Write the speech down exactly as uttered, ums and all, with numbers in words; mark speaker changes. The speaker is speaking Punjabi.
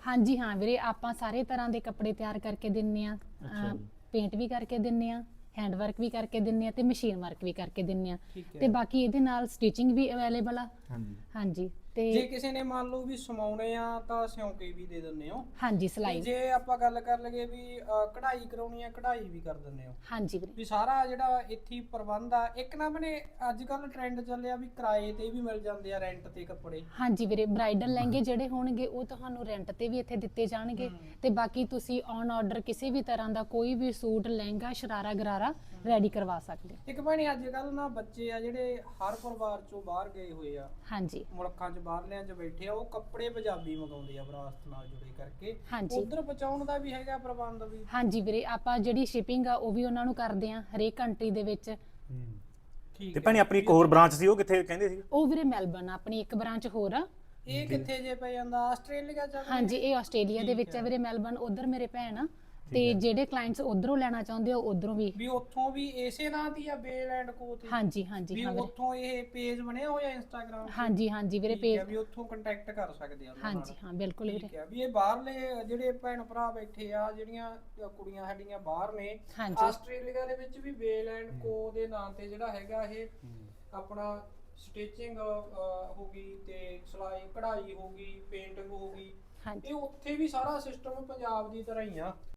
Speaker 1: ਹਾਂਜੀ ਹਾਂ ਵੀਰੇ, ਆਪਾਂ ਸਾਰੇ ਤਰ੍ਹਾਂ ਦੇ ਕੱਪੜੇ ਤਿਆਰ ਕਰਕੇ ਦਿੰਨੇ ਆ,
Speaker 2: ਅੱਛਾ ਜੀ।
Speaker 1: ਪੇਂਟ ਵੀ ਕਰਕੇ ਦਿੰਨੇ ਆ, ਹੈਂਡ ਵਰਕ ਵੀ ਕਰਕੇ ਦਿੰਨੇ ਆ ਤੇ ਮਸ਼ੀਨ ਵਰਕ ਵੀ ਕਰਕੇ ਦਿੰਨੇ ਆ
Speaker 3: ਠੀਕ ਹੈ।
Speaker 1: ਤੇ ਬਾਕੀ ਇਹਦੇ ਨਾਲ ਸਟਿਚਿੰਗ ਵੀ ਅਵੇਲੇਬਲ ਆ।
Speaker 2: ਹਾਂਜੀ
Speaker 1: ਹਾਂਜੀ ਤੇ
Speaker 3: ਜੇ ਕਿਸੇ ਨੇ ਮੰਨ ਲਓ ਵੀ ਸਮਾਉਣੇ ਆ ਤਾਂ ਸਿਉਂ ਕੇ ਵੀ ਦੇ ਦਿੰਦੇ ਹੋ।
Speaker 1: ਹਾਂਜੀ
Speaker 3: ਤੇ
Speaker 1: ਸਿਲਾਈ,
Speaker 3: ਜੇ ਆਪਾਂ ਗੱਲ ਕਰ ਲਈਏ ਵੀ ਅ, ਕਢਾਈ ਕਰਾਉਣੀ ਆ, ਕਢਾਈ ਵੀ ਕਰ ਦਿੰਦੇ ਹੋ।
Speaker 1: ਹਾਂਜੀ ਵੀਰੇ।
Speaker 3: ਵੀ ਸਾਰਾ ਜਿਹੜਾ ਇੱਥੇ ਹੀ ਪ੍ਰਬੰਧ ਆ। ਇੱਕ ਨਾ ਬਣੇ ਅੱਜ ਕੱਲ ਟ੍ਰੈਂਡ ਚੱਲਿਆ ਵੀ ਕਿਰਾਏ ਤੇ ਵੀ ਮਿਲ ਜਾਂਦੇ ਆ, ਰੈਂਟ ਤੇ ਕੱਪੜੇ।
Speaker 1: ਹਾਂਜੀ ਵੀਰੇ, ਬ੍ਰਾਈਡਲ ਲਹਿੰਗੇ ਜਿਹੜੇ ਹੋਣਗੇ ਉਹ ਤੁਹਾਨੂੰ ਰੈਂਟ ਤੇ ਵੀ ਇੱਥੇ ਦਿੱਤੇ ਜਾਣਗੇ ਤੇ ਬਾਕੀ ਤੁਸੀਂ ਔਨ ਆਰਡਰ ਕਿਸੇ ਵੀ ਤਰ੍ਹਾਂ ਦਾ ਕੋਈ ਵੀ ਸੂਟ, ਲਹਿੰਗਾ, ਸ਼ਰਾਰਾ, ਗਰਾਰਾ ਰੈਡੀ ਕਰਵਾ ਸਕਦੇ ਹੋ।
Speaker 3: ਇੱਕ ਭੈਣੇ ਅੱਜ ਕੱਲ ਨਾ ਬੱਚੇ ਆ ਜਿਹੜੇ ਹਰ ਪਰਿਵਾਰ ਚੋਂ ਬਾਹਰ ਗਏ ਹੋਏ ਆ,
Speaker 1: ਹਾਂਜੀ
Speaker 3: ਮੁਲਕਾਂ 'ਚ ਬਾਹਰਲਿਆਂ 'ਚ ਬੈਠੇ ਆ, ਉਹ ਕੱਪੜੇ ਪੰਜਾਬੀ ਮੰਗਾਉਂਦੇ ਆ ਵਿਰਾਸਤ ਨਾਲ ਜੁੜੇ ਕਰਕੇ।
Speaker 1: ਹਾਂਜੀ।
Speaker 3: ਉਧਰ ਪਹੁੰਚਾਉਣ ਦਾ ਵੀ ਹੈਗਾ ਪ੍ਰਬੰਧ ਵੀ?
Speaker 1: ਹਾਂਜੀ ਵੀਰੇ, ਆਪਾਂ ਜਿਹੜੀ ਸ਼ਿਪਿੰਗ ਆ ਉਹ ਵੀ ਉਹਨਾਂ ਨੂੰ ਕਰਦੇ ਆ ਹਰੇਕ ਕੰਟਰੀ ਦੇ ਵਿੱਚ।
Speaker 3: ਠੀਕ
Speaker 2: ਤੇ
Speaker 3: ਹੈ।
Speaker 2: ਭੈਣੇ ਆਪਣੀ ਇੱਕ ਹੋਰ ਬ੍ਰਾਂਚ ਸੀ, ਉਹ ਕਿੱਥੇ ਕਹਿੰਦੇ ਸੀ?
Speaker 1: ਉਹ ਵੀਰੇ ਮੈਲਬਨ, ਆਪਣੀ ਇੱਕ ਬ੍ਰਾਂਚ ਹੋਰ ਆ।
Speaker 3: ਇਹ ਕਿੱਥੇ ਜੇ ਪੈ ਜਾਂਦਾ? ਆਸਟ੍ਰੇਲੀਆ 'ਚ?
Speaker 1: ਹਾਂਜੀ, ਇਹ ਆਸਟ੍ਰੇਲੀਆ ਦੇ ਵਿੱਚ ਆ ਵੀਰੇ, ਮੈਲਬਨ। ਉਧਰ ਮੇਰੇ ਭੈਣ ਆ ਤੇ ਜਿਹੜੇ ਕਲਾਇੰਟਸ ਉਧਰੋਂ ਲੈਣਾ ਚਾਹੁੰਦੇ ਆ ਉਧਰੋਂ ਵੀ।
Speaker 3: ਵੀ ਉੱਥੋਂ ਵੀ ਇਸੇ ਨਾਂ ਦੀ ਆ ਬੇਲ ਐਂਡ ਕੋ ਤੇ?
Speaker 1: ਹਾਂਜੀ ਹਾਂਜੀ
Speaker 3: ਵੀ
Speaker 1: ਹਾਂ ਵੀਰੇ।
Speaker 3: ਉੱਥੋਂ ਇਹ ਪੇਜ ਬਣਿਆ ਹੋਇਆ ਇੰਸਟਾਗ੍ਰਾਮ ਤੇ?
Speaker 1: ਹਾਂਜੀ ਹਾਂਜੀ ਵੀਰੇ,
Speaker 3: ਠੀਕ
Speaker 1: ਪੇਜ।
Speaker 3: ਹੈ, ਵੀ ਉੱਥੋਂ ਕੰਟੈਕਟ ਕਰ ਸਕਦੇ ਆ ਉਹਨਾਂ ਨਾਲ।
Speaker 1: ਹਾਂਜੀ ਹਾਂ ਬਿਲਕੁਲ ਵੀਰੇ।
Speaker 3: ਠੀਕ ਹੈ। ਵੀ ਇਹ ਬਾਹਰਲੇ ਜਿਹੜੇ ਭੈਣ ਭਰਾ ਬੈਠੇ ਆ, ਜਿਹੜੀਆਂ ਕੁੜੀਆਂ ਸਾਡੀਆਂ ਬਾਹਰ ਨੇ,
Speaker 1: ਹਾਂਜੀ।
Speaker 3: ਆਸਟ੍ਰੇਲੀਆ ਦੇ ਵਿੱਚ ਵੀ ਬੇਲ ਐਂਡ ਕੋ ਦੇ ਨਾਂ ਤੇ ਜਿਹੜਾ ਹੈਗਾ ਇਹ ਆਪਣਾ ਸਟਿਚਿੰਗ ਹੋ ਗਈ ਤੇ ਸਿਲਾਈ ਕਢਾਈ ਹੋ ਗਈ, ਪੇਂਟਿੰਗ ਹੋ ਗਈ,
Speaker 1: ਹਾਂਜੀ
Speaker 3: ਇਹ ਉੱਥੇ ਵੀ ਸਾਰਾ ਸਿਸਟਮ ਪੰਜਾਬ ਦੀ ਤਰ੍ਹਾਂ ਹੀ ਆ।